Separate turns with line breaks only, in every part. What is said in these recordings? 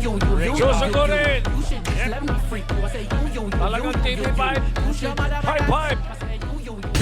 Susugurin! Talagang TV5. 55.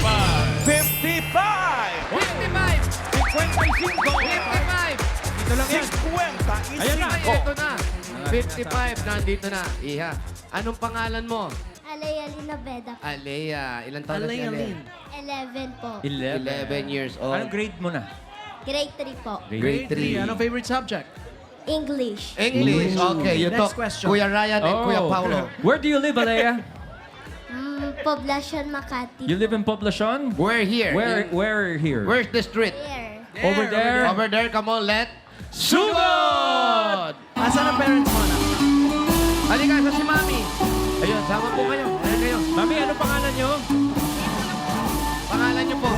55!
55! 55! Ito lang yan.
50
Ayan na.
Ito na. 55, nandito na. Iha, anong pangalan mo?
Alea Linabeda.
Alea. Ilan taon na si Alea?
11 po.
11 years old.
Anong grade mo na?
Grade 3 po.
Grade 3.
Anong favorite subject?
English.
English. Okay, you
Next
talk.
question.
Kuya Ryan and Kuya Paulo.
Where do you live, Alea?
Poblacion Makati.
You live in Poblacion?
We're here.
Where here?
Where's the street?
Here.
Over there?
Over there. Come on, let. Sugod!
Asan ang parents mo na?
Halika sa si Mami. Ayun, sama po kayo. Ayun kayo.
Mami, ano pangalan nyo?
Pangalan niyo po.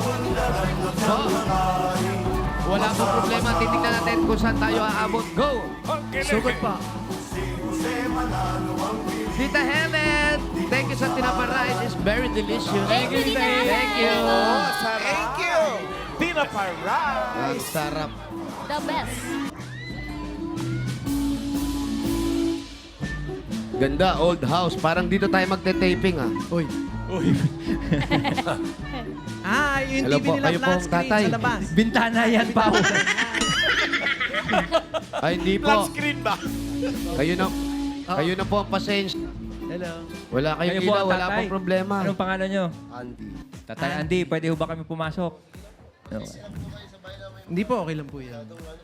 Wala po problema. Titignan natin kung saan tayo aabot. Go!
Sugod pa.
Tita Helen! Thank you sa tinaparice. It's very delicious.
Thank you, Tita Helen.
Thank you.
Thank you! Pinaparay!
Ang sarap.
The best.
Ganda, old house. Parang dito tayo magte-taping, ah.
Uy. Yung
Hello
TV
po,
nila
kayo po,
flat screen
tatay.
sa labas.
Bintana yan, Pao.
Ay, hindi
Flat
po.
screen ba?
Kayo na po ang pasensya.
Hello.
Wala kayong
Kayo po
ilaw,
ang
wala
tatay.
pong problema.
Anong pangalan nyo?
Andy.
Tatay Andy, pwede ho ba kami pumasok?
Hindi po, okay lang po yan.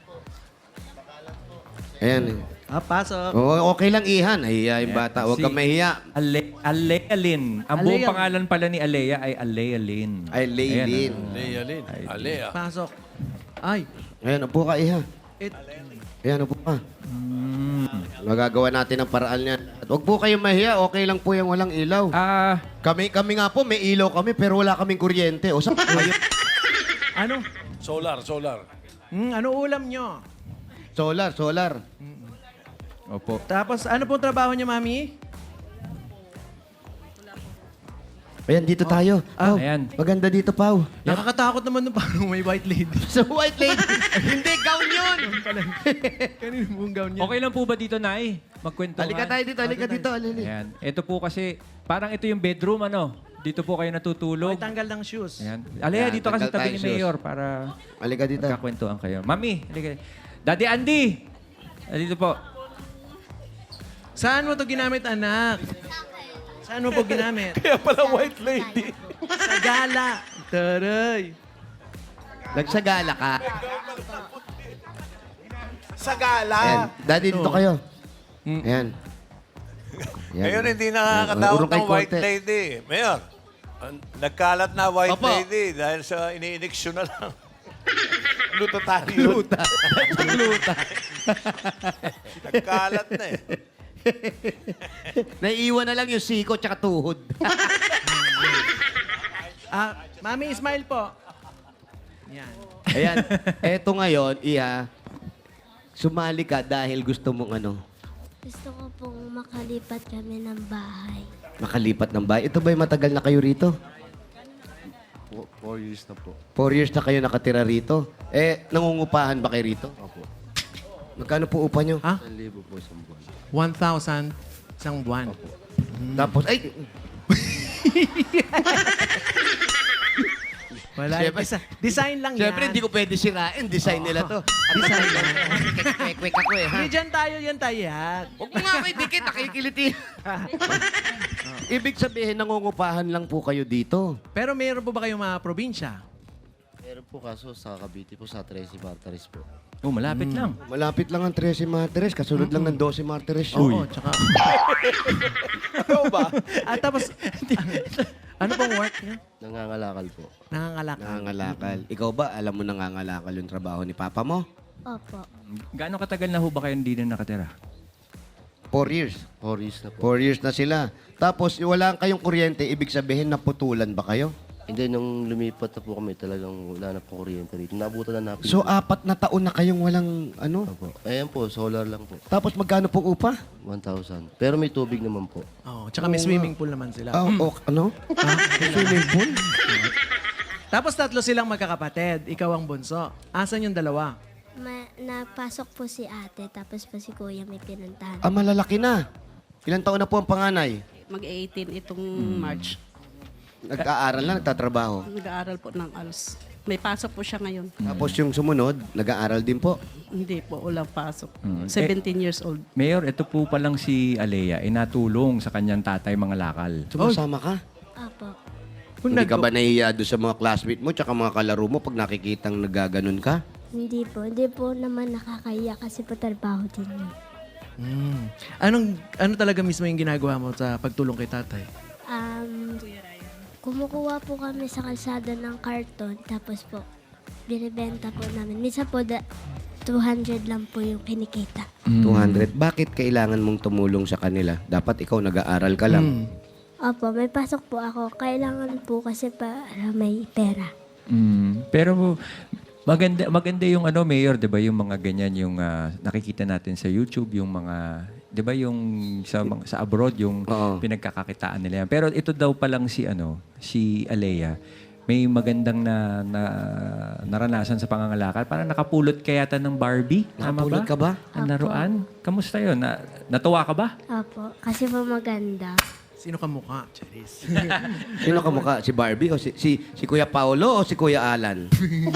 Ayan.
Pasok.
Okay lang, Ihan. Nahiya yung bata. Huwag kang mahiya.
Alea Lynn. Ang buong
Alea.
pangalan pala ni Alea ay Alea Lynn.
Ay, Laylin.
Lea Lynn. Alea.
Pasok. Ay.
Ayan, upo ka, Iha.
It,
Ayan, upo ka. Magagawa natin ang paraan niyan. At huwag po kayong mahiya. Okay lang po yung walang ilaw. Kami nga po, may ilaw kami, pero wala kaming kuryente. O, saan kayo?
ano?
Solar.
Ano ulam nyo?
Solar.
Opo.
Tapos, ano pong trabaho niya, Mami?
Ayan, dito tayo. Pao,
Ayan.
maganda dito, Pau.
Nakakatakot naman nung parang may white lady.
Sa white lady. Hindi, gown yun.
Kanino yung gown niya?
Okay lang po ba dito, Nay? Magkwentuhan?
Halika tayo dito, halika dito. Alili.
Ayan. Ito po kasi, parang ito yung bedroom, ano? Dito po kayo natutulog.
May tanggal ng shoes.
Ayan. Alea,
Ayan,
dito kasi
tanggal
tabi ni
tayo,
Mayor para
Halika dito.
magkakwentuhan kayo. Mami, halika. Daddy Andy! Dito po.
Saan mo to ginamit, anak? Saan mo po ginamit?
Kaya pala white lady.
Sa gala. Taray.
Nagsagala ka.
Sa gala.
Ayan. Daddy, dito kayo. Ayan.
Ngayon hindi
Ayan,
nakakatawag
urong kay
ng white
konti.
lady. Mayor, nagkalat na white
Opo.
lady dahil sa ini-ineksyon na lang. Luta tayo.
Luta.
Nagkalat na eh.
Naiiwan na lang yung siko tsaka tuhod.
Mami, smile po. Yan.
Ayan. Eto ngayon, Iha, sumali ka dahil gusto mong ano,
Gusto ko pong makalipat kami ng bahay.
makalipat ng bahay. Ito ba'y matagal na kayo rito?
4 years na po.
4 years na kayo nakatira rito. Nangungupahan ba kayo rito?
Opo.
Magkano po upa nyo?
Ha?
1,000 po isang buwan.
1,000 isang buwan.
Tapos, ay,
Wala.
Siyempre-
Design lang
siyempre
yan.
hindi ko pwede sirain. Design nila to. Design lang. Kwek-kwek ako eh, ha?
Hindi, dyan tayo, yan tayo. Yan.
Huwag mo nga ako idikit, nakikiliti. Ibig sabihin, nangungupahan lang po kayo dito.
Pero meron po ba kayong mga probinsya?
Meron po kaso sa Cavite po, sa Tracy Bartaris po.
Oh, malapit lang.
Malapit lang ang 13 Martires, kasunod lang ng 12 Martires.
Oo, tsaka...
Ano ba?
At tapos, ano pong work niya?
Nangangalakal po.
Nangangalak.
Nangangalakal. Ikaw ba, alam mo nangangalakal yung trabaho ni Papa mo?
Opo.
Gaano katagal na ho ba kayo hindi na nakatira?
4 years.
4 years na po.
4 years na sila. Tapos, wala kayong kuryente, ibig sabihin, naputulan ba kayo?
Hindi, nung lumipat na po kami, talagang wala na po kuryente rito. Nabutan na namin.
So, 4 na taon na kayong walang ano?
Opo. Ayan po, solar lang po.
Tapos, magkano pong upa?
1,000. Pero may tubig naman po.
Oo, tsaka may swimming pool naman sila.
Ano? Swimming pool?
Tapos tatlo silang magkakapatid. Ikaw ang bunso. Asan yung dalawa?
napasok po si ate, tapos po si kuya may pinuntahan.
Ah, malalaki na. Ilang taon na po ang panganay?
Mag-18 itong March.
Nag-aaral na, nagtatrabaho.
Nag-aaral po ng ALS. May pasok po siya ngayon.
Tapos yung sumunod, nag-aaral din po.
Hindi po, walang pasok.
Mm.
17 years old.
Mayor, ito po palang si Alea, inatulong sa kanyang tatay mga lakal.
Sumasama ka?
Opo.
Hindi ka ba nahihiya doon sa mga classmate mo tsaka mga kalaro mo pag nakikitang nagaganon ka?
Hindi po naman nakakaya kasi po trabaho din yun.
Ano talaga mismo yung ginagawa mo sa pagtulong kay tatay?
Kumukuha po kami sa kalsada ng karton, tapos po, binibenta po namin. Minsan po, 200 lang po yung kinikita.
200. Bakit kailangan mong tumulong sa kanila? Dapat ikaw nag-aaral ka lang.
Opo, may pasok po ako. Kailangan po kasi para may pera.
Pero maganda yung Mayor, 'di ba, yung mga ganyan yung nakikita natin sa YouTube, yung mga 'di ba yung sa abroad yung
Oo.
pinagkakakitaan nila yan. Pero ito daw pa lang si Alea, may magandang naranasan sa pangangalakal. Parang nakapulot kaya ng Barbie. Tama
Nakapulot ka ba?
Ang laruan? Kamusta yun? Natuwa ka ba?
Opo, kasi po maganda.
Sino ka mukha, Charis?
Sino ka mukha? Si Barbie o si Kuya Paolo o si Kuya Alan?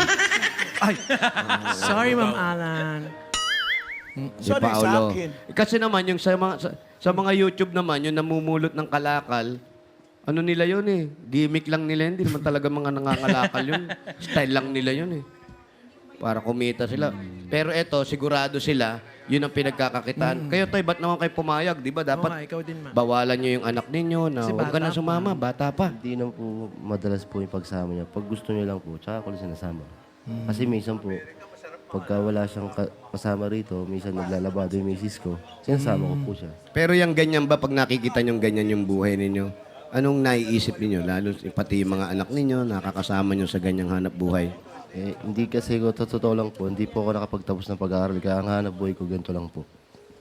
Sorry, Ma'am Alan.
Si
Sorry, sa
Paolo.
akin.
Kasi naman yung sa mga YouTube naman, yung namumulot ng kalakal, ano nila yun eh. Gimmick lang nila yun. Hindi naman talaga mga nangangalakal yun. Style lang nila yun eh. Para kumita sila. Pero eto, sigurado sila, yun ang pinagkakakitaan. Kayo tayo, ba't naman kayo pumayag? Di ba
Oo nga,
dapat
ikaw din, Ma.
bawalan nyo yung anak ninyo na
Kasi
huwag ka
bata
na
pa.
sumama, bata pa.
Hindi na po madalas po yung pagsama niya. Pag gusto niya lang po, tsaka ko lang sinasama. Kasi minsan po, pagka wala siyang kasama rito, minsan naglalabado yung misis ko, sinasama ko po siya.
Pero yung ganyan ba, pag nakikita nyo ganyan yung buhay ninyo, anong naiisip ninyo? Lalo pati yung mga anak ninyo, nakakasama nyo sa ganyang hanap buhay.
Eh, hindi kasi ko, totoo lang po, hindi po ako nakapagtapos ng pag-aaral. Kaya ang hanap buhay ko, ganito lang po.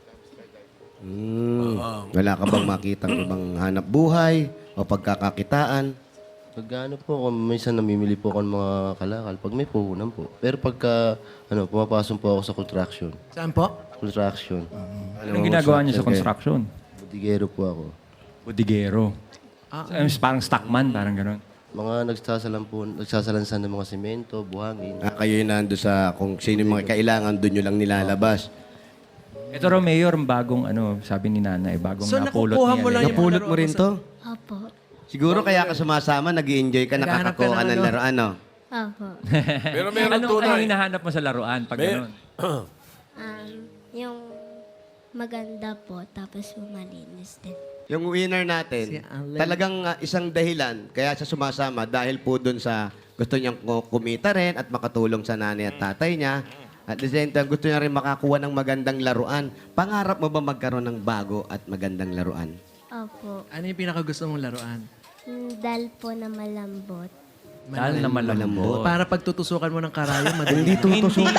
Wala ka bang makitang ibang hanap buhay o pagkakakitaan?
Pag po ako, minsan namimili po ako ng mga kalakal. Pag may puhunan po. Pero pagka, pumapasok po ako sa construction.
Saan po?
Construction.
Anong ginagawa niyo sa construction?
Budigero po ako.
Budigero. Parang stockman, parang gano'n.
Mga nagsasalansan ng mga semento, buhangin.
Kayo yung nando sa kung sino yung mga kailangan, doon nyo lang nilalabas.
Ito raw, Mayor, bagong sabi ni Nana, bagong
So,
napulot
nakukuha
niya.
mo lang yung
Napulot
mga
mo rin
laruan
to?
Opo.
Siguro kaya ka sumasama, nag-i-enjoy ka,
Naghahanap ka
nakakakuha ka
ng
ng
ano?
laruan, no?
Opo.
Pero meron
Anong
tunay.
hinahanap mo sa laruan pag gano'n?
Yung maganda po, tapos yung malinis din.
Yung winner
Si
natin,
Allen.
talagang isang dahilan kaya siya sumasama dahil po dun sa gusto niyang kumita rin at makatulong sa nanay at tatay niya. At the same time, gusto niya rin makakuha ng magandang laruan. Pangarap mo ba magkaroon ng bago at magandang laruan?
Opo.
Ano yung pinakagusto mong laruan?
Dal po na malambot.
Dahil na malambot.
Para pagtutusukan mo ng karayo, madali.
Hindi tutusukan.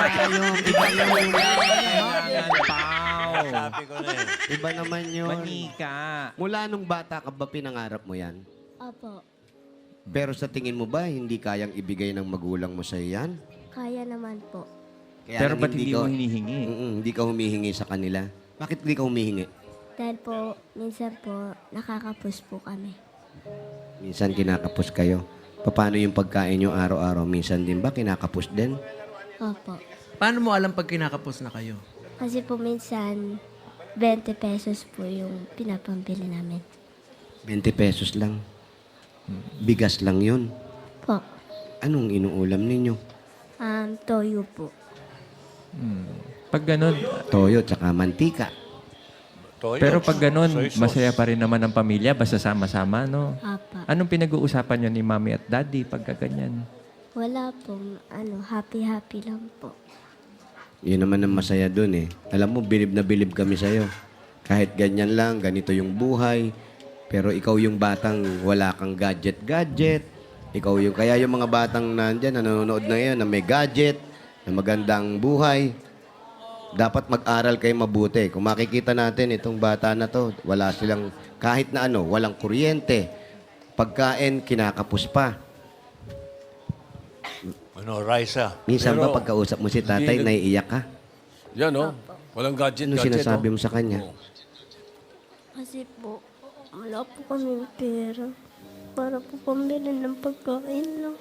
Sabi ko na eh.
Iba naman yun.
Manika.
Mula nung bata ka ba pinangarap mo yan?
Opo.
Pero sa tingin mo ba, hindi kayang ibigay ng magulang mo sa yan?
Kaya naman po.
Kaya
Pero
lang
ba't hindi mo hinihingi?
Hindi ka humihingi sa kanila. Bakit hindi ka humihingi?
Dahil po, minsan po, nakakapus po kami.
Minsan kinakapos kayo. Paano yung pagkain nyo araw-araw? Minsan din ba kinakapos din?
Opo.
Paano mo alam pag kinakapos na kayo?
Kasi po minsan, 20 pesos po yung pinapambili namin.
20 pesos lang. Bigas lang yun.
Po.
Anong inuulam ninyo?
Toyo po.
Pag gano'n,
Toyo tsaka mantika.
Toyo.
pero pag gano'n,
Soy sauce.
masaya pa rin naman ang pamilya, basta sama-sama, no?
Apa.
Anong pinag-uusapan nyo ni mami at daddy pagka ganyan?
Wala po, happy-happy lang po.
Yun naman ang masaya dun eh. Alam mo, bilib na bilib kami sa'yo. Kahit ganyan lang, ganito yung buhay. Pero ikaw yung batang wala kang gadget-gadget. Ikaw yung, kaya yung mga batang nandyan, nanonood na ngayon, na may gadget, na magandang buhay. Dapat mag-aral kayo mabuti. Kung makikita natin itong bata na to, wala silang, kahit na ano, walang kuryente. Pagkain, kinakapos pa.
Ano, Raisa?
Minsan ba
Pero,
pagkausap mo si tatay,
hindi-
naiiyak ka?
Yan, no? Walang gadget,
Ano
gadget,
sinasabi
no?
mo sa kanya?
Kasi po, wala po kami pera. Para po pambili ng pagkain lang.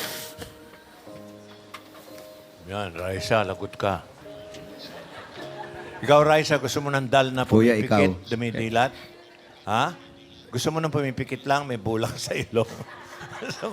Yan, Raisa, lagot ka. Ikaw, Raisa, gusto mo ng dal na
Kuya,
pumipikit,
ikaw.
dumidilat? Ha? Gusto mo ng pumipikit lang, may bulang sa ilong? Gusto mo?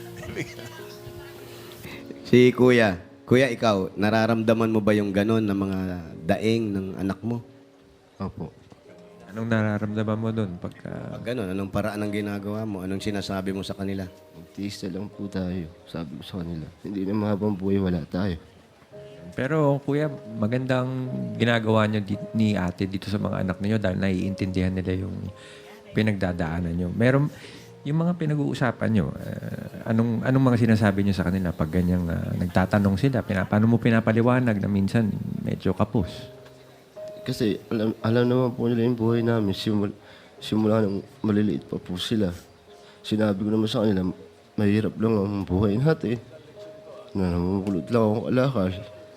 Si Kuya. Kuya, ikaw, nararamdaman mo ba yung ganon ng mga daing ng anak mo?
Opo.
Anong nararamdaman mo doon pagka...
Pag ganon, anong paraan ang ginagawa mo? Anong sinasabi mo sa kanila?
Magtiis na lang po tayo. Sabi ko sa kanila. Hindi na mahabang buhay, wala tayo.
Pero kuya, magandang ginagawa niyo ni ate dito sa mga anak niyo dahil naiintindihan nila yung pinagdadaanan niyo. Meron yung mga pinag-uusapan niyo, anong mga sinasabi niyo sa kanila pag ganyang nagtatanong sila, paano mo pinapaliwanag na minsan medyo kapos?
Kasi alam naman po nila yung buhay namin. Simula nung maliliit pa po sila. Sinabi ko naman sa kanila, mahirap lang ang buhay natin. Na namumulot lang akong alakal.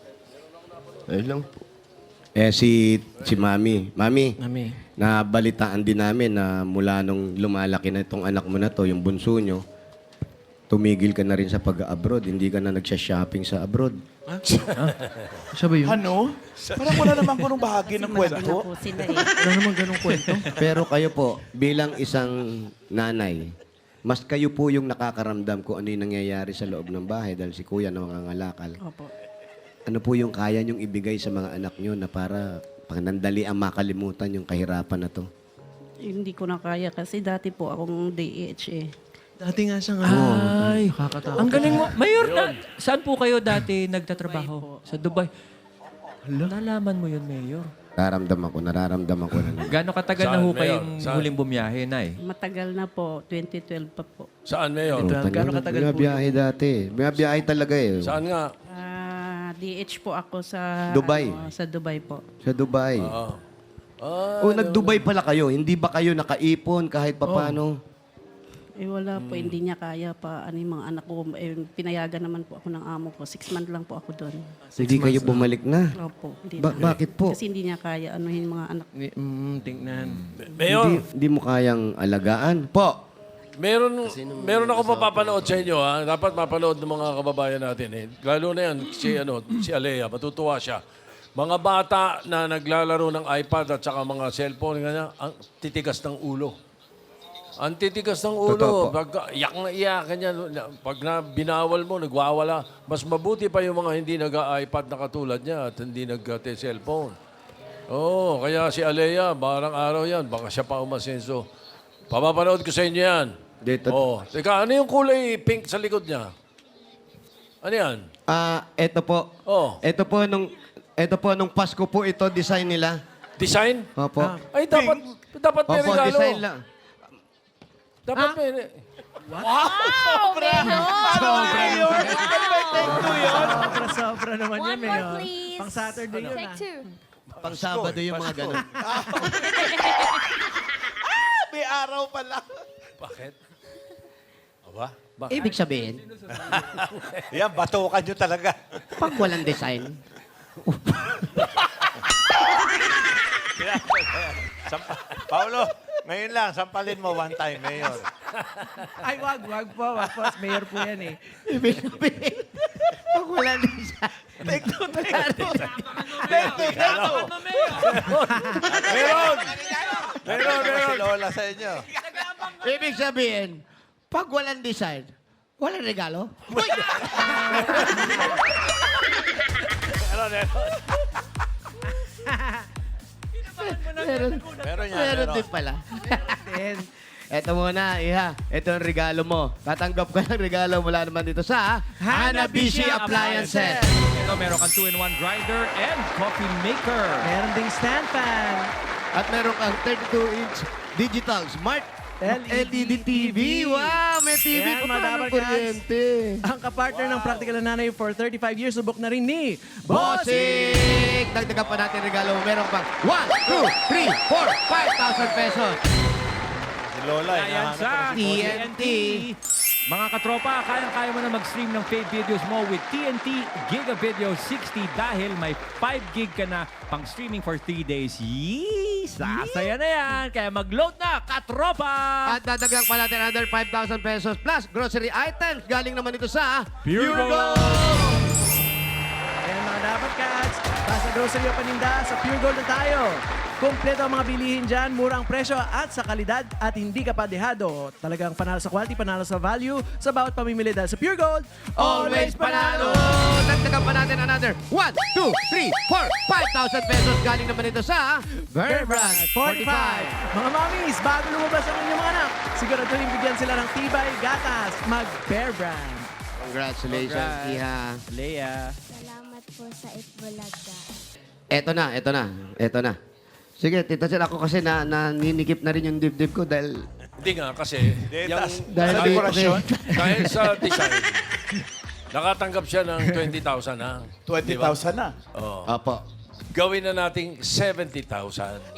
Ayun lang po.
Si Mami. Mami,
Mami.
nabalitaan din namin na mula nung lumalaki na itong anak mo na to, yung bunso nyo, tumigil ka na rin sa pag-abroad. Hindi ka na nagsha-shopping sa abroad.
Siya ba yun?
Ano? Parang wala namang ganung bahagi ng
Malaki na
kwento.
po sila eh.
Wala naman ganong kwento.
Pero kayo po, bilang isang nanay, mas kayo po yung nakakaramdam kung ano yung nangyayari sa loob ng bahay dahil si kuya nangangalakal.
Opo.
Ano po yung kaya niyong ibigay sa mga anak niyo na para panandali ang makalimutan yung kahirapan na to?
Hindi ko na kaya kasi dati po akong DHA.
Dati nga siyang
Ay,
nakakatakot.
ang galing mo. Mayor, saan po kayo dati nagtatrabaho? Sa Dubai. Nalaman mo yun, Mayor.
Nararamdaman ko na.
Gano'ng katagal na
Saan,
ho
Mayor?
kayong
Saan?
huling bumiyahe, Nay?
Matagal na po, 2012 pa po.
Saan, Mayor?
Gano'ng katagal po
Binabiyahe dati. Binabiyahe talaga eh.
Saan nga?
DH po ako sa
Dubai.
sa Dubai po.
Sa Dubai.
Ah,
Nag-Dubai pala kayo. Hindi ba kayo nakaipon kahit papano?
Eh wala po, hindi niya kaya pa yung mga anak ko. Eh, pinayagan naman po ako ng amo ko. 6 months lang po ako doon.
Hindi kayo bumalik na.
Opo. Hindi
Bakit po?
Kasi hindi niya kaya anuhin mga anak.
Tingnan.
Mayor,
Hindi mo kayang alagaan? Po.
meron ako mapapanood sa inyo, ha? Dapat mapanood ng mga kababayan natin, eh. Lalo na yan, si Alea, matutuwa siya. Mga bata na naglalaro ng iPad at saka mga cellphone, ganyan, ang titigas ng ulo. Ang titigas ng
Totoo
ulo.
po.
Pag iyak na iyak, ganyan. Pag na binawal mo, nagwawala. Mas mabuti pa yung mga hindi nag-iPad na katulad niya at hindi nag-cellphone. Oo, kaya si Alea, barang araw yan, baka siya pa umasenso. Papapanood ko sa inyo yan.
Dito.
Oh, teka, ano yung kulay pink sa likod niya? Ano yan?
Eto po.
Oh,
Ito po nung Pasko po ito design nila.
design?
Opo.
Ay, dapat may
Opo,
regalo.
design lang.
Dapat may...
Sobra naman
One
yan,
more,
Mayor.
please.
Pang Saturday yun,
Take two.
Pang Sabado yung mga ganun.
May araw pala.
Bakit? Aba? Bakit?
Ibig sabihin,
Yan, batukan nyo talaga.
pag walang design,
Paulo, ngayon lang, sampalin mo one time, Mayor.
Ay, wag po. Mayor po yan eh.
ibig sabihin, pag walang design,
Meron! Si Lola sa inyo.
ibig sabihin, pag walang design, walang regalo. Meron,
Meron yan,
meron
meron.
din pala.
Then,
Ito muna, Iha. Ito ang regalo mo. Tatanggap ka ng regalo mula naman dito sa Hanabishi Appliances.
Ito, meron kang 2-in-1 grinder and coffee maker.
meron ding stand fan.
At meron kang 32-inch digital smart LED TV. Wow, may TV
Yan,
pa
mga
pa ng
Dabar
kuryente.
Ang kapartner ng Practical na Nanay for 35 years, subok na rin ni
Bossing! Dagdagan pa natin regalo mo. Meron pang 1, 2, 3, 4, 5,000 pesos.
Si Lola,
Ayan
hinahanap
sa
ko na si Bossing.
TNT. Mga katropa, kayang-kaya mo na mag-stream ng fave videos mo with TNT Giga Video 60 dahil may 5 gig ka na pang streaming for 3 days. Yee! Sasaya na yan! Kaya mag-load na, katropa!
At dadagdag pa natin another 5,000 pesos plus grocery items. Galing naman ito sa
Pure Gold!
Ayan mga dapat cats. Basta grocery o paninda, sa Pure Gold na tayo. Kompleto ang mga bilihin dyan, murang presyo at sa kalidad at hindi ka pa dehado. Talagang panalo sa quality, panalo sa value sa bawat pamimili dahil sa Pure Gold, always panalo!
Dagdagan pa natin another 1, 2, 3, 4, 5,000 pesos. Galing naman ito sa
Bear Brand 45. Mga mommies, bago lumabas ang inyong mga anak, siguraduhin bigyan sila ng tibay, gatas, mag-Bear Brand.
Congratulations, Iha.
Leia.
Salamat po sa Itbulaga.
Eto na. Sige, Tita Sel, ako kasi naninikip na rin yung dibdib ko dahil...
Hindi nga kasi,
Dahil
sa
di-
dekorasyon, dahil sa design, nakatanggap siya ng 20,000 ha.
20,000 na.
Oh.
Apo.
Gawin na nating 70,000.
70,000.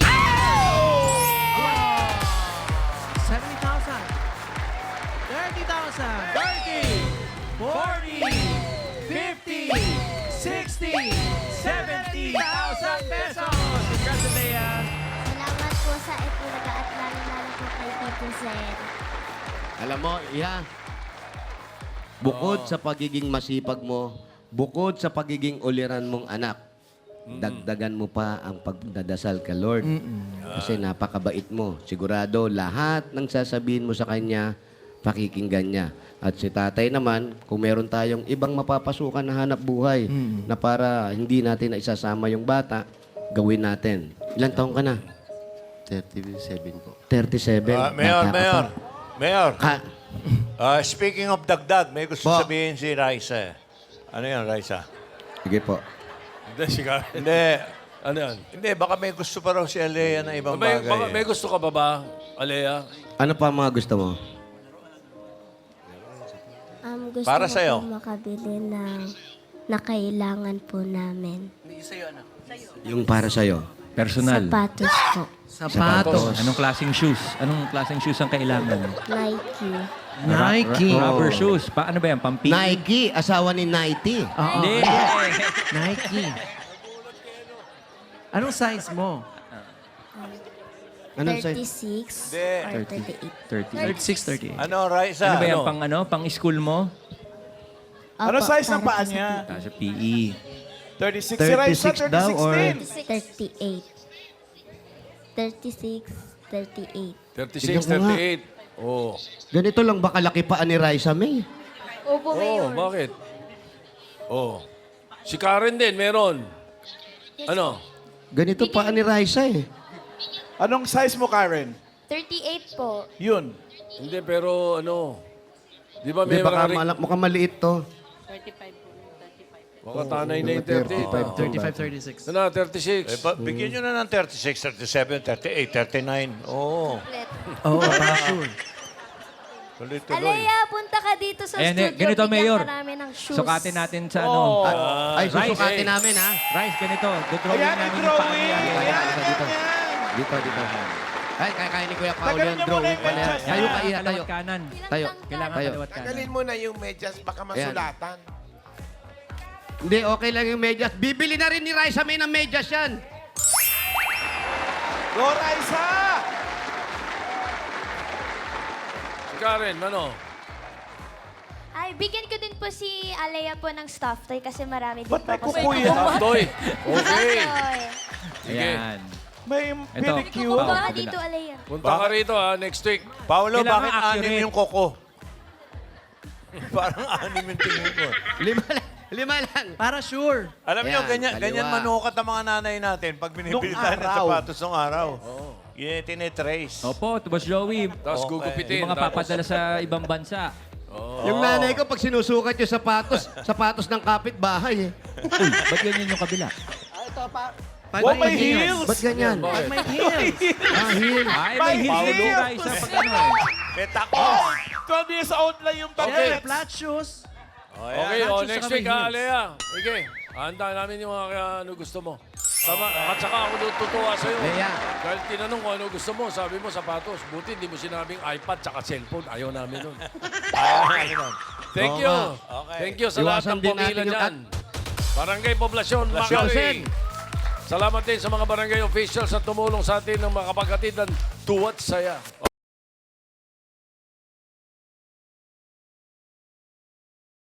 30,000. 30. 40. 50. 60. 70,000 pesos. Congratulations.
Salamat po sa Itbulaga at lalo-lalo po kay Tito Zen.
Alam mo, Iha, bukod sa pagiging masipag mo, bukod sa pagiging uliran mong anak, dagdagan mo pa ang pagdadasal ka, Lord. Kasi napakabait mo. Sigurado, lahat ng sasabihin mo sa Kanya, pakikinggan niya. At si tatay naman, kung meron tayong ibang mapapasukan na hanap buhay na para hindi natin na isasama yung bata, gawin natin. Ilan taong ka na?
37 po.
37.
Mayor,
Bata ka pa.
Mayor.
Ka-
Speaking of dagdag, may gusto
Po.
sabihin si Raisa. Ano yan, Raisa?
Sige po.
Hindi, siya.
Hindi.
Ano yan?
Hindi, baka may gusto pa raw si Alea na ibang bagay.
May gusto ka pa ba, Alea?
Ano pa ang mga gusto mo?
Gusto
Para
ko
sa'yo.
po makabili ng na kailangan po namin.
Yung para sa'yo.
Personal.
Sapatos po.
Sapatos.
Anong klaseng shoes? Anong klaseng shoes ang kailangan?
Nike.
Nike.
Rubber shoes. Paano ba yan? Pampili?
Nike, asawa ni Nighty.
Hindi.
Nike. Anong size mo?
Anong size?
36
Hindi.
or 38.
30.
36, 38.
Ano, Raisa?
Ano ba yan? Pang school mo?
Ano
Opo,
size ng
para
paa
po sa
niya?
Sa PE.
36 si Raisa,
36 daw,
36
or-
din.
38.
36,
Tignan ko nga.
38. Oh.
Ganito lang ba kalaki pa ni Raisa May?
Opo,
Oh, bakit? Oh. Si Karen din, meron. Ano?
Ganito pa ni Raisa eh.
Anong size mo, Karen?
38 po.
Yun.
Hindi, pero ano? Di ba may
Hindi, baka
mga...
mukhang maliit to.
Baka tanay na yung 38.
35, 36.
Ano, 36.
Bigyan nyo na ng 36, 37, 38, 39. Oo.
Oh, para sure.
Tuloy-tuloy.
Alea, punta ka dito sa
Ayan,
studio.
ganito,
bigyan
Mayor.
ka namin ng shoes.
Sukatin natin sa ano.
Ay,
Rice,
susukatin namin ha.
Rice, ganito. Dodrawing
Ayan,
namin yung
drawing.
paa niya.
Ayan,
dito.
yan.
Dito. Ay, kaya ni Kuya Paolo
Tagalin
yung
niyo muna
drawing
yung
pala yan.
medyas.
Tayo ka, Iha, tayo.
Kalawat kanan.
Tayo.
Kailangan
Tayo.
kalawat kanan.
Tagalin mo na yung medyas, baka masulatan.
Hindi, okay lang yung medyas. Bibili na rin ni Raisa May ng medyas yan.
Go, Raisa!
Si Karen, ano?
Ay, bigyan ko din po si Alea po ng stuffed toy kasi marami din
Ba't may
po ako
kukuya?
Top toy. Okay.
Toy.
Ayan.
May
Ito.
pedicure.
Kukuha ka
kabila.
dito, Alea.
Punta ka rito ha, next week.
Paolo,
Kailangan
bakit
accurate.
6 yung koko? Parang 6 yung tingin ko.
Lima lang.
Para sure.
Alam nyo,
Ayan,
ganyan,
kaliwa.
ganyan manukat ang mga nanay natin pag binibili
Nung
tayo ng
araw.
sapatos ng araw. Yun yung tinitrace.
Opo, Boss Joey.
Tapos
Okay.
gugupitin.
Yung mga
tapos-
papadala sa ibang bansa.
Yung nanay ko, pag sinusukat yung sapatos ng kapitbahay eh.
Uy, ba't ganyan yung kabila?
Oh, may heels!
Ba't ganyan?
Pag may heels.
Heel.
Ay, may heels
Paulo.
din si Raisa pag ano eh.
May takos!
12 years old lang yung
Siyempre,
bagets.
flat shoes.
Okay,
Nachos
next
saka may
week ha,
heels.
Alea. Okay. Handa namin yung mga ano gusto mo. At saka ako natutuwa sa'yo.
Lea.
Dahil tinanong ko ano gusto mo, sabi mo sapatos. Buti hindi mo sinabing iPad tsaka cellphone. Ayaw namin nun. Thank
Oo
you.
nga.
Okay.
Thank you sa lahat
Iwasan
ng
din
pumila
natin yung
dyan. Barangay Poblasyon, Makati. Salamat din sa mga barangay officials na tumulong sa atin ng makapaghatid ng tuwat saya.